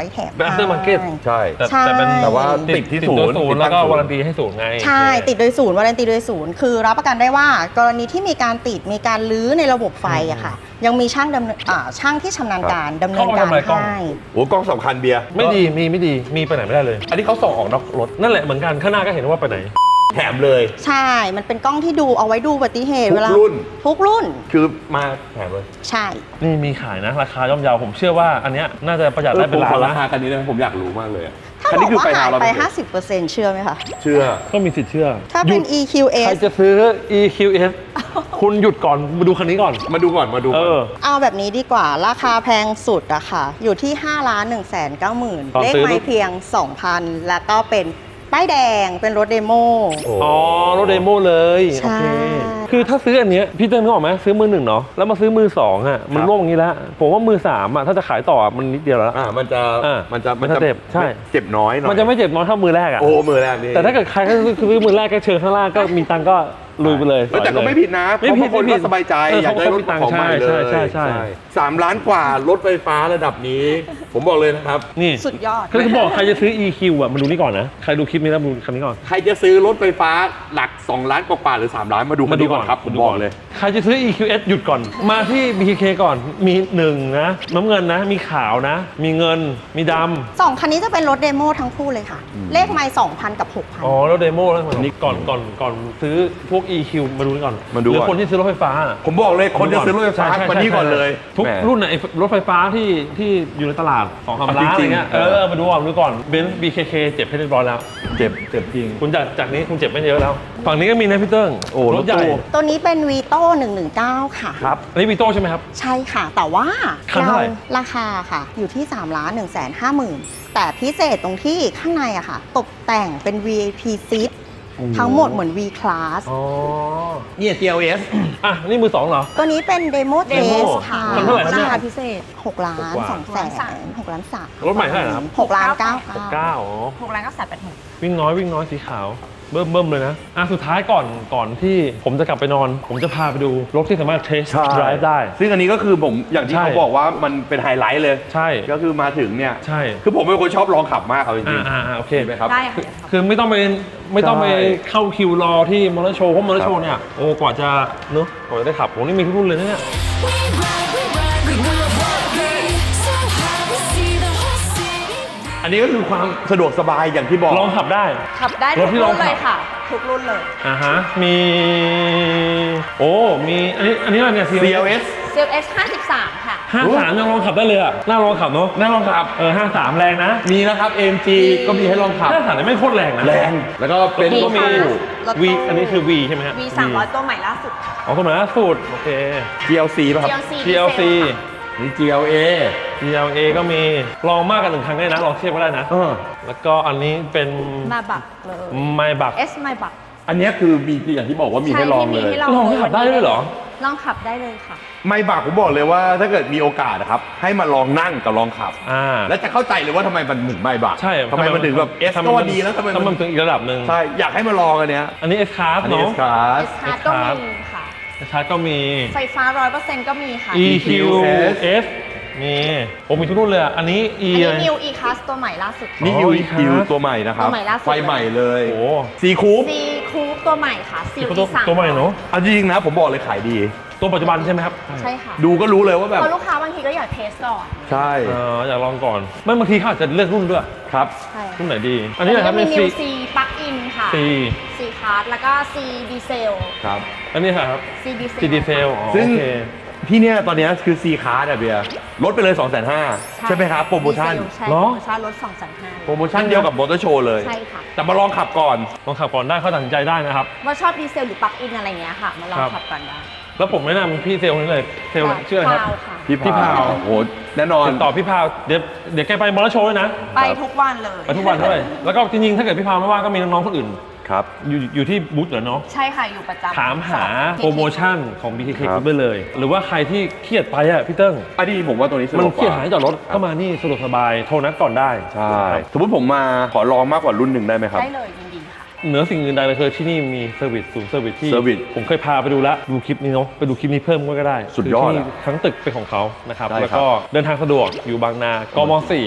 Speaker 1: after market
Speaker 2: ใช่
Speaker 1: แต่
Speaker 8: ใช่
Speaker 1: แต่เป็น
Speaker 2: แต่ว่าติดที่ศูนย์
Speaker 1: ศูนย์
Speaker 2: ติดตั้ง
Speaker 1: แล้วก็
Speaker 2: ศูนย์
Speaker 1: วารันตีให้ศูนย์ไง
Speaker 8: ใช่ติดโดยศูนย์วารันตีโดยศูนย์คือรับประกันได้ว่ากรณีที่มีการติดมีการลื้อในระบบไฟอะค่ะ ยังมีช่างดำเนินอ่าช่างที่ชำนาญการดำเนินการ
Speaker 1: เข้ามาทำไมกล้อง
Speaker 8: ให้
Speaker 2: โอ้กล้องสำคัญเบียร์
Speaker 1: ไม่ดีมีไม่ดีมีไปไหนไม่ได้เลย
Speaker 2: อันนี้เขาส่งออกนอกรถ
Speaker 1: นั่นแหละเหมือนกันข้างหน้าก็เห็นว่าไปไหน
Speaker 2: แถมเลย
Speaker 8: ใช่ มันเป็นกล้องที่ดูเอาไว้ดูอุบัติเหตุ
Speaker 2: ทุก
Speaker 8: เวลา
Speaker 2: รุ่น
Speaker 8: ทุกรุ่น
Speaker 2: คือมาแถมเลย
Speaker 8: ใช่
Speaker 1: นี่มีขายนะ ราคาย่อมเยาวผมเชื่อว่าอันเนี้ยน่าจะประหยัดได้เป็นล้าน
Speaker 2: รา
Speaker 1: นะ
Speaker 2: คาคันนี้นะผมอยากรู้มากเลยอะ
Speaker 8: ถ้า
Speaker 2: คัน
Speaker 8: บอ
Speaker 2: นี้
Speaker 8: ก
Speaker 2: คือ
Speaker 8: ว่า
Speaker 2: ไป
Speaker 8: หา
Speaker 2: ทาวย เรา
Speaker 8: ไป
Speaker 2: เป็น
Speaker 8: ห้าสิบเปอร์เซ็นต์ เชื่อไหมคะ
Speaker 2: เชื่อ
Speaker 1: ก็มีสิทธิ์เชื่อ
Speaker 8: ถ้าเป็น
Speaker 1: หยุด
Speaker 8: อี คิว เอ
Speaker 1: ใคร
Speaker 8: ส
Speaker 1: จะซื้อ อี คิว เอส คุณหยุดก่อนมาดูคันนี้ก่อน
Speaker 2: มาดูก่อนมาดู
Speaker 1: เอ
Speaker 2: ก่อน
Speaker 1: อ
Speaker 8: เอาแบบนี้ดีกว่า ราคาแพงสุดอะค่ะ อยู่ที่ ห้าล้านหนึ่งแสนเก้าหมื่น
Speaker 1: ตอน
Speaker 8: เลข
Speaker 1: ซื้อ
Speaker 8: ไม้เพียง สองพัน แล้วก็เป็นป้ายแดงเป็นรถเดโม
Speaker 1: อ๋อรถเดโมเลย
Speaker 8: ใช่
Speaker 1: โอเคคือถ้าซื้ออันเนี้ยพี่เติ้ลนึกออกไหมซื้อมือหนึ่งเนาะแล้วมาซื้อมือสองอ่ะมันร่วงอย่างนี้แล้วผมว่ามือสามอ่ะถ้าจะขายต่อมันนิดเดียวแล้ว
Speaker 2: อ่ามันจะ
Speaker 1: อ่ามั
Speaker 2: มันจะ
Speaker 1: มันจะเจ็บใช่
Speaker 2: เจ็บน้อยหน่อย
Speaker 1: มันจะไม่เจ็บน้อยเท่ามือแรกอ่ะ
Speaker 2: โอ้มือแรกนี่
Speaker 1: แต่ถ้าเกิดใครก็ซื้อซื้อมือแรกก็เชิญข้างล่างก็มีตังค์ก็ลุยไปเลย
Speaker 2: เฮ้ยแต่ก็ไม่ผิดนะเพ
Speaker 1: ไม่
Speaker 2: ราะ
Speaker 1: ผิด
Speaker 2: บางคน
Speaker 1: ไม่ผิ
Speaker 2: ก็
Speaker 1: ด
Speaker 2: สบายใจ
Speaker 1: เออ
Speaker 2: อยากได้รถ
Speaker 1: เขาก็มีตังค์
Speaker 2: ของใหม่เลย
Speaker 1: ใช่ใช่ใช่
Speaker 2: สามล้านกว่ารถไฟฟ้าระดับนี้ ผมบอกเลยนะครับ
Speaker 1: นี่
Speaker 8: สุดยอด
Speaker 1: คือจะบอกใครจะซื้อ อี คิว อ่ะมาดูนี่ก่อนนะใครดูคลิปนี้แล้วมาดูคันนี้ก่อน
Speaker 2: ใครจะซื้อรถไฟฟ้าหลักสองล้านกว่าๆหรือสามล้านมาดูคันนี้ก่อนครับผมบอกเลย
Speaker 1: ใครจะซื้อ อี คิว เอส หยุดก่อน มาที่ บี เค เค ก่อน มีหนึ่งนะ น้ำเงินนะ มีขาวนะ มีเงิน มีด
Speaker 8: สองคันนี้จะเป็นรถเดโมทั้งคู่เลยค่ะ เลขไม้สองพันกับหกพัน
Speaker 1: ำอ๋อ แล้วเดโมแล้วนี่ก่อนก่อนก่อนซื้อพวก อี คิว มาดูนี่ก่อน
Speaker 2: มาดู
Speaker 1: หรือ
Speaker 2: ก่อน
Speaker 1: คนที่ซื้อรถไฟฟ้า
Speaker 2: ผมบอกเลยคนจะซื้อรถไฟฟ้า
Speaker 1: ใช่ใช่
Speaker 2: มานี่ก่อนเลย
Speaker 1: ทุก
Speaker 2: แหม
Speaker 1: รุ่นไหนรถไฟฟ้าที่ที่อยู่ในตลาดสองสามล้าน
Speaker 2: จ
Speaker 1: อะ
Speaker 2: ริ
Speaker 1: ไรง
Speaker 2: ๆ
Speaker 1: เงี้ย
Speaker 2: เอ
Speaker 1: เอ
Speaker 2: อ
Speaker 1: อ มาดูก่อนดูก่อนเบนซ์ บี เค เค เจ็บให้เรียบร้อยแล้ว
Speaker 2: เจ็บเจ็บจริง
Speaker 1: คุณจากจากนี้คุณเจ็บไม่เยอะแล้ว ฝั่งนี้ก็มีนะพี่เติ้ง
Speaker 2: โอ้
Speaker 1: รถใหญ่
Speaker 2: รถตู้
Speaker 8: ตัวนี้เป็นวีโต้หนึ่งหนึ่งเก้าค่ะ
Speaker 2: ครับ
Speaker 1: อันนี้วีโต้ใช่ไหมครับ
Speaker 8: ใช่ค่ะ แต่ว่า
Speaker 1: คันเท่าไหร่
Speaker 8: ราคาค่ะ อยู่ที่3ล้านหนึ่งแสนห้าหมื่นแต่พิเศษตรงที่ข้างในอะค่ะ ตกแต่งเป็น วี ไอ พี Seat ทั้งหมดเหมือน V Class
Speaker 1: อ๋อ
Speaker 2: เนี่ย จี แอล เอส
Speaker 1: อ่ะนี่มือสองเหรอ
Speaker 8: ตัวนี้เป็นเดโมเท
Speaker 1: Demo
Speaker 8: สค่ะ
Speaker 1: คันเท่าไหร่ครับเนี่ย
Speaker 8: ราคาพิเศษ6ล้าน
Speaker 1: หกกว่า
Speaker 8: สองแสนหกล้านสาม
Speaker 1: รถใหม่เท่าไหร่นะครับ
Speaker 8: หกล้านเก้าค่ะ
Speaker 1: เก้าอ๋อ
Speaker 5: หกล้านก็แสนแปดหมื่น
Speaker 1: วิ่งน้อยวิ่งน้อยสีขาวเบิ่มเบิ่มเลยนะอ่ะสุดท้ายก่อนก่อนที่ผมจะกลับไปนอน ผมจะพาไปดูรถที่สามารถเทส
Speaker 2: ใช่
Speaker 1: ดรฟ์ได้
Speaker 2: ซึ่งอันนี้ก็คือผมอย่างที่
Speaker 1: ใช่
Speaker 2: เขาบอกว่ามันเป็นไฮไลท์เลย
Speaker 1: ใช่
Speaker 2: ก็คือมาถึงเนี่ย
Speaker 1: ใช่
Speaker 2: คือผมเป็นคนชอบลองขับมากเอาจริ
Speaker 1: อ่าง อ่าอ่าโอเค
Speaker 2: ๆเห็นไหมครับ
Speaker 5: ได้ค่ะ
Speaker 1: คือไม่ต้องไปไม่ต้องไป
Speaker 2: ใช่
Speaker 1: เข้าคิวรอที่มอเตอร์โชว์เพราะมอเตอร์โช
Speaker 2: ครั
Speaker 1: ว์
Speaker 2: บ
Speaker 1: เนี่ยโอ้กว่าจะเนอะกว่าจะได้ขับผมนี่มีทุกรุ่นเลยนะเนี่ย
Speaker 7: We ride, we ride, we will worry. So high, we see the whole city.
Speaker 2: อันนี้ก็คือความสะดวกสบายอย่างที่บอก
Speaker 1: ลองขับได้
Speaker 5: ขับได้
Speaker 1: ร
Speaker 5: ทุ
Speaker 1: ถ
Speaker 5: ก
Speaker 1: ที่
Speaker 5: รุ่น
Speaker 1: ลองขับ
Speaker 5: เลยค่ะ ทุกรุ่นเลย
Speaker 1: อ่าฮะมีโอ้มีอันนี้อันนี้อะไรเนี่ย
Speaker 2: ซี แอล เอส
Speaker 5: เซลเอสห้าสิบสามค่ะ
Speaker 1: ห้าสามยังลองขับได้เลยอ่ะน่าลองขับเนาะ
Speaker 2: น่าลองขับ
Speaker 1: เออห้าสามแรงนะ
Speaker 2: มีนะครับ เอ็ม จี ก็มีให้ลองขับ
Speaker 1: ห้าสามนี่ไม่โคตรแรงนะ
Speaker 2: แรง แล้วก็เป็น
Speaker 1: รถตู้ก็มี
Speaker 5: รถตู้
Speaker 1: V อันนี้คือ V ใช่ไหมฮะ
Speaker 5: V สามร้อยตัวใหม่ล่าสุดค่ะ
Speaker 1: อ๋อตัวใหม่ล่าสุดโอเค
Speaker 2: จี แอล ซี ป่ะครับ
Speaker 5: จี แอลซี
Speaker 1: จี แอล ซี
Speaker 2: นี่ จี แอล เอ
Speaker 1: จี แอล เอ ก็มีลองมากกันหนึ่งครั้งได้นะลองเทียบก็ได้นะ
Speaker 2: เออ
Speaker 1: แล้วก็อันนี้เป็น
Speaker 5: มาบักเลย
Speaker 1: ไมบัก
Speaker 5: S ไมบัก
Speaker 2: อันเนี้ยคือมีอย่างที่บอกว่ามีให้ลองเลย
Speaker 5: ให้ลอง
Speaker 1: ลองขับได้ด้วยเหรอ
Speaker 5: ลองขับได้เลยค่ะ
Speaker 2: ไม่บากผมบอกเลยว่าถ้าเกิดมีโอกาสนะครับ ให้มาลองนั่งกับลองขับ
Speaker 1: อ่า
Speaker 2: แล้วจะเข้าใจเลยว่าทำไมมันถึงไม่บาก
Speaker 1: ใช่
Speaker 2: ทำไมมันถึงแบบเอส
Speaker 1: ทำไม
Speaker 2: ก็
Speaker 1: มั
Speaker 2: ว่าน ดีแล้วทำไม
Speaker 1: ทำไม
Speaker 2: มั
Speaker 1: มัน นถึงอีกระดับหนึ่ง
Speaker 2: ใช่อยากให้มาลองอันเนี้ย
Speaker 1: อันนี้ S Class
Speaker 2: อันนี้
Speaker 1: เนาะ
Speaker 2: S Class
Speaker 5: S คาร์ก็มีค่ะ
Speaker 1: S Class ก็มี
Speaker 5: ไฟฟ้า ร้อยเปอร์เซ็นต์ ก็มีค่ะ
Speaker 1: E Q S มีผมมีทุกรุ่นเลยอ่ะอันนี้ E
Speaker 5: อัน
Speaker 1: อะไร
Speaker 5: นี้ New E Class ตัวใหม่ล่าสุด
Speaker 2: นี่
Speaker 1: อ๋อ
Speaker 2: ยู
Speaker 1: อีก
Speaker 2: คิว
Speaker 1: ครับ
Speaker 2: ตัวใหม่นะครับ
Speaker 5: ตัวใหม่ล่าสุด
Speaker 2: ไฟใหม่เลย
Speaker 1: โอ้
Speaker 2: ซีคูป
Speaker 5: C Coupe ตัวใหม่ค่ะ C
Speaker 1: ตัว
Speaker 5: E สาม
Speaker 1: ตัวใหม่เนาะ
Speaker 2: เอาจริงๆนะผมบอกเลยขายดี
Speaker 1: ตัวปัจจุบันใช่ไหมครับ
Speaker 5: ใช่ค่ะ
Speaker 2: ดูก็รู้เลยว่าแบบ
Speaker 5: เพราะลูกค้าบางทีก็อยากเทสก่อน
Speaker 2: ใช่
Speaker 1: เอออยากลองก่อนไม่บางทีเขาอาจจะเลือกรุ่นด้วย
Speaker 2: ครับ
Speaker 5: ใช่
Speaker 1: รุ่นไหนดี อันนี้นะครับ
Speaker 5: มี
Speaker 1: เป็น
Speaker 5: New
Speaker 1: C
Speaker 5: C Plug In ค่ะ
Speaker 1: C
Speaker 5: C Class แล้วก็ C Diesel
Speaker 2: ครับ
Speaker 1: อันนี้ครับ
Speaker 5: C Diesel
Speaker 1: C D f e l อ๋อ
Speaker 2: ซึ่ง
Speaker 1: โอเค
Speaker 2: ที่เนี้ยตอนเนี้ยคือ C Card อะเบียร์ลดไปเลย สองแสนห้าหมื่น ใช่ไหมครับ โปรโมชั่น
Speaker 5: Diesel ใช่
Speaker 1: เหร
Speaker 5: โป
Speaker 1: อ
Speaker 5: รโมชั่นลดสองแสนห้า
Speaker 2: โปรโมชั่นเดียวกับมอเตอร์โชว์เลย
Speaker 5: ใช่ค่ะ
Speaker 2: แต่มาลองขับก่อน
Speaker 1: ลองขับก่อนได้เขาตัดสินใจได้นะครับ
Speaker 5: ว่าชอบดีเซลหรือปลั๊กอินอะไรเงี้ยค่ะ มาลอง
Speaker 1: ครับ
Speaker 5: ขับกันได้
Speaker 1: แล้วผมแนะนำพี่เซลล์คนนี้เลยเซลล์ชื่ออะไรครับ
Speaker 5: พาวค่ะ
Speaker 2: พี่
Speaker 1: พี่พาว
Speaker 2: โอ้โหแน่นอน
Speaker 1: ติดต่อพี่พาวเดี๋ยวเดี๋ยวแกไปมอเตอร์โชว์ด้วยนะ
Speaker 5: ไปทุกวันเลย
Speaker 1: ไปทุกวันด้วย แล้วก็จริงๆ ถ้าเกิดพี่พาวไม่ว่างก็มีน้องๆ คนอื่น
Speaker 2: ครับ
Speaker 1: อยู่อยู่ที่บูธเหรอเนาะ
Speaker 5: ใช่ค่ะ อยู่ประจำ
Speaker 1: ถามหา
Speaker 5: สอง
Speaker 1: โปรโมชั่นของ บี เค เค
Speaker 2: ครับ
Speaker 1: Group ได้เลย หรือว่าใครที่เครียดไปอ่ะพี่เติ้ง
Speaker 2: อันนี้ผมว่าตัวนี้สะด
Speaker 1: มัน
Speaker 2: วก
Speaker 1: เครียด
Speaker 2: กว่า
Speaker 1: หายจอดรถก็มานี่สะดวกสบายโทรนัดก่อนได้
Speaker 2: ใช่ สมมติผมมาขอลองมากกว่ารุ่นหนึ่งได้ไหมครับ
Speaker 5: ได้เลยยินดีค่ะ
Speaker 1: เหนือสิ่งอื่นใดเลยคือที่นี่มีเซอร์วิสศูนย์เซอร์วิสที่
Speaker 2: Service
Speaker 1: ผมเคยพาไปดูแล้วดูคลิปนี้เนาะไปดูคลิปนี้เพิ่มก็ได้
Speaker 2: สุดยอด
Speaker 1: คืที่
Speaker 2: อะ
Speaker 1: ทั้งตึกเป็นของเขานะครับ
Speaker 2: ใช่ครับ
Speaker 1: แล้วก็เดินทางสะดวกอยู่บางนากมสี่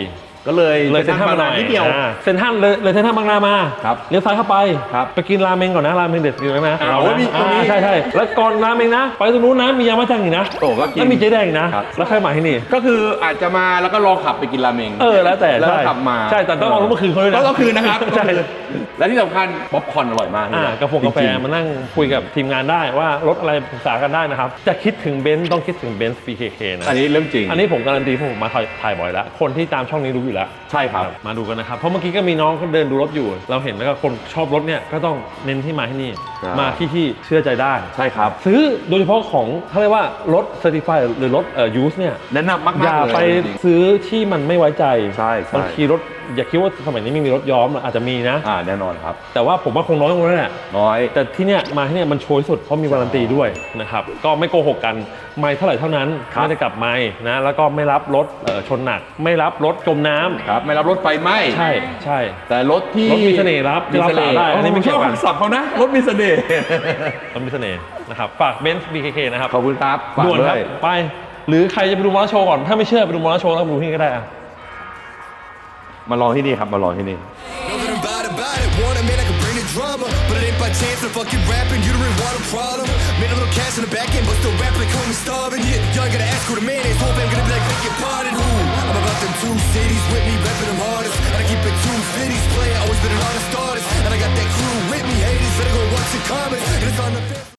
Speaker 2: ก็เลย
Speaker 1: เลยเซ็นทรัลมาหน่อย
Speaker 2: นิดเดียว
Speaker 1: อ่าเซ็นทรัลเลยเลยเซ็นทรัลบางนามา
Speaker 2: ครับ
Speaker 1: เลี้ยวซ้ายเข้าไป
Speaker 2: ครับ
Speaker 1: ไปกินราเมงก่อนนะราเมงเด็ดอยู่ไหม
Speaker 2: อ่า
Speaker 1: เรา
Speaker 2: โอ้ย
Speaker 1: นะ
Speaker 2: มีตรงนี้
Speaker 1: อ่าใช่ใช่แล้วก่อนราเมงนะ ไปตรงนู้นนะมียามาจังอีกนะ
Speaker 2: โอ้ก็กิน
Speaker 1: แล้วมีเจ๊แดงอีกนะครับ แล้วใครมาที่นี่
Speaker 2: ก็คืออาจจะมาแล้วก็รอขับไปกินราเมง
Speaker 1: เออแล้วแต่
Speaker 2: แล้วก็
Speaker 1: ใช่
Speaker 2: ขับมา
Speaker 1: ใช่แต่ต้องเอารถมาคืนเขาด้วยนะ
Speaker 2: ต้องเอาคืนนะครับ
Speaker 1: ใช่
Speaker 2: และที่สำคัญป๊อปคอร์นอร่อยมาก
Speaker 1: อ่ากาแฟกาแฟ
Speaker 2: จริงๆ
Speaker 1: มานั่งคุยกับทีมงานได้ว่ารถอะไรปรึกษากันได้นะครับ จะคิดถึงเบนซ์ต้องคิดถึงเบนซ์ บี เค เค นะ
Speaker 2: อันนี้เรื่องจริง
Speaker 1: อันนี้ผมการันตีเพราะผมมาถ่ายถ่ายบ่อยแล้ว คนที่ตามช่องนี้รู้อยู่แล้ว
Speaker 2: ใช่ครับ
Speaker 1: มาดูกันนะครับ เพราะเมื่อกี้ก็มีน้องเขาเดินดูรถอยู่ เราเห็นแล้วก็คนชอบรถเนี่ยก็ต้องเน้นที่มาที่นี่
Speaker 2: ครับ
Speaker 1: มาที่ที่เชื่อใจได้
Speaker 2: ใช่ครับ
Speaker 1: ซื้อโดยเฉพาะของเขาเรียกว่ารถ certified หรือรถเอ่อ use เนี่ย
Speaker 2: แนะนำมากๆ
Speaker 1: อย่า
Speaker 2: เลย
Speaker 1: ไป
Speaker 2: จริง
Speaker 1: ซื้อที่มันไม่ไว้ใจ
Speaker 2: ใช่ใช่
Speaker 1: บางทีรถอย่าคิดว่าสมัยนี้ไม่มีรถย้อมอาจจะมีนะ
Speaker 2: อ่าแน่นอนครับ
Speaker 1: แต่ว่าผมว่าคงน้อยกว่านั้นแหละ
Speaker 2: น้อย
Speaker 1: แต่ที่เนี้ยมาที่เนี้ยมันโชยสุดเพราะมีวารันตีด้วยนะครับก็ไม่โกหกกันไม่เท่าไหร่เท่านั้น
Speaker 2: ครับ
Speaker 1: ไม่ได้กลับไม่นะแล้วก็ไม่รับรถเอ่อชนหนัก ไม่รับรถจมน้ำ
Speaker 2: ครับ ไม่รับรถไฟไหม้
Speaker 1: ใช่ใช่
Speaker 2: แต่รถที่
Speaker 1: รถมีเสน่ห์รับ
Speaker 2: มีเสน่ห์
Speaker 1: รับสายได้อันนี้ไม่
Speaker 2: ผม
Speaker 1: เกี่
Speaker 2: ช
Speaker 1: ย
Speaker 2: อ
Speaker 1: ว
Speaker 2: บ
Speaker 1: กัน
Speaker 2: คำศัพท์เขานะ รถมีเสน่ห์
Speaker 1: รถมีเสน่ห์นะครับฝากเบนซ์ บี เค เค นะครับ
Speaker 2: ขอบคุณครับฝาก
Speaker 1: ด่วน
Speaker 2: ด้
Speaker 1: ครั
Speaker 2: ว
Speaker 1: บ
Speaker 2: ย
Speaker 1: ไป หรือใครจะไปดูมอเตอร์โชว์ก่อนถ้าไม่เชื่อไปดูมอเตอร์โชว์แล้วมาดูที่นี่ก็ได้อะ
Speaker 2: มาลองที่นี่ครับ มาลองที่นี่
Speaker 3: Know that I'm bad about it. Want it, man, I can bring the drama. But it ain't by chance I'm fucking rapping. You don't really want a problem. Made a little cash in the back end, but still rap like homie starving. Yeah, y'all gotta ask who the man is. Hope I'm gonna be like, beg your pardon. Who? I'm about them two cities with me, repping them hardest. And I keep it two fifties player, always been an honest artist. And I got that crew with me, haters. Better go watch the comments. And it's on the fifth.